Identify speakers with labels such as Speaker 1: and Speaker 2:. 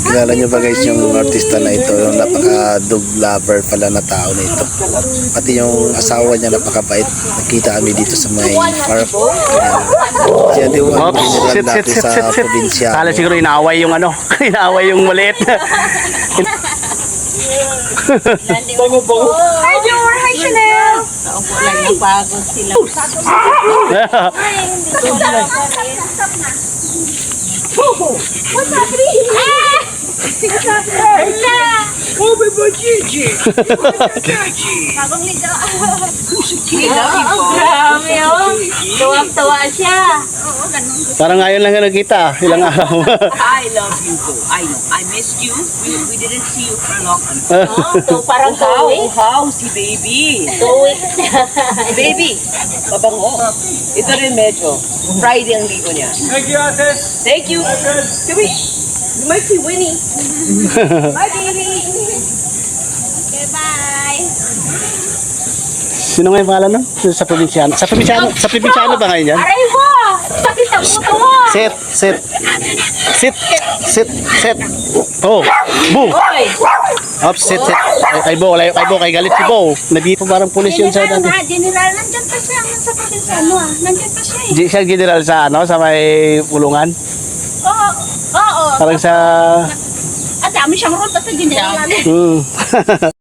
Speaker 1: Kilala nyo ba guys yung artista na ito? Yung napaka-dog lover pala na tao na ito. Pati yung asawa niya napakabait. Nakita kami dito sa may park. Siya di ba general dati sa probinsya.
Speaker 2: Kala siguro inaaway yung ano, inaaway yung maliit.
Speaker 3: Hi, Jor! Hi, Chanel!
Speaker 4: Naupo lang napagod sila.
Speaker 3: What's happening? What's happening? Oh, my boy, Gigi! Bagong liga.
Speaker 4: Grabe oh. Tuwang-tuwa siya.
Speaker 3: Oo, ganun.
Speaker 2: Parang ngayon lang nakita, ilang araw.
Speaker 5: I love you, though. I know. I missed you. We didn't see you for a long time.
Speaker 4: Oh, parang
Speaker 5: How?
Speaker 4: tuwi.
Speaker 5: How? Si baby.
Speaker 4: Tuwi.
Speaker 5: Baby. Mabango. Ito rin medyo. Friday ang ligo niya.
Speaker 6: Thank you, ate.
Speaker 5: Thank you. Come here. You might see Winnie.
Speaker 3: Bye, baby! Okay, bye!
Speaker 2: Sino nga yung pangalan nun? Sa probinsyano. Sa probinsyano ba ngayon yan?
Speaker 3: Aray mo! Sakit ang buto mo!
Speaker 2: Sit. Oh, boo. Oops, sit. Kay Bo, kay galit si Bo. Nandito parang pulis yun sa
Speaker 3: General
Speaker 2: dati.
Speaker 3: nga, General, nandyan pa siya. Sa probinsano ah. Nandyan pa siya eh.
Speaker 2: Di siya general sa ano, sa may pulungan.
Speaker 3: Oo, oo.
Speaker 2: Parang sa
Speaker 3: At dami siyang road. Basta General.
Speaker 2: Hmm.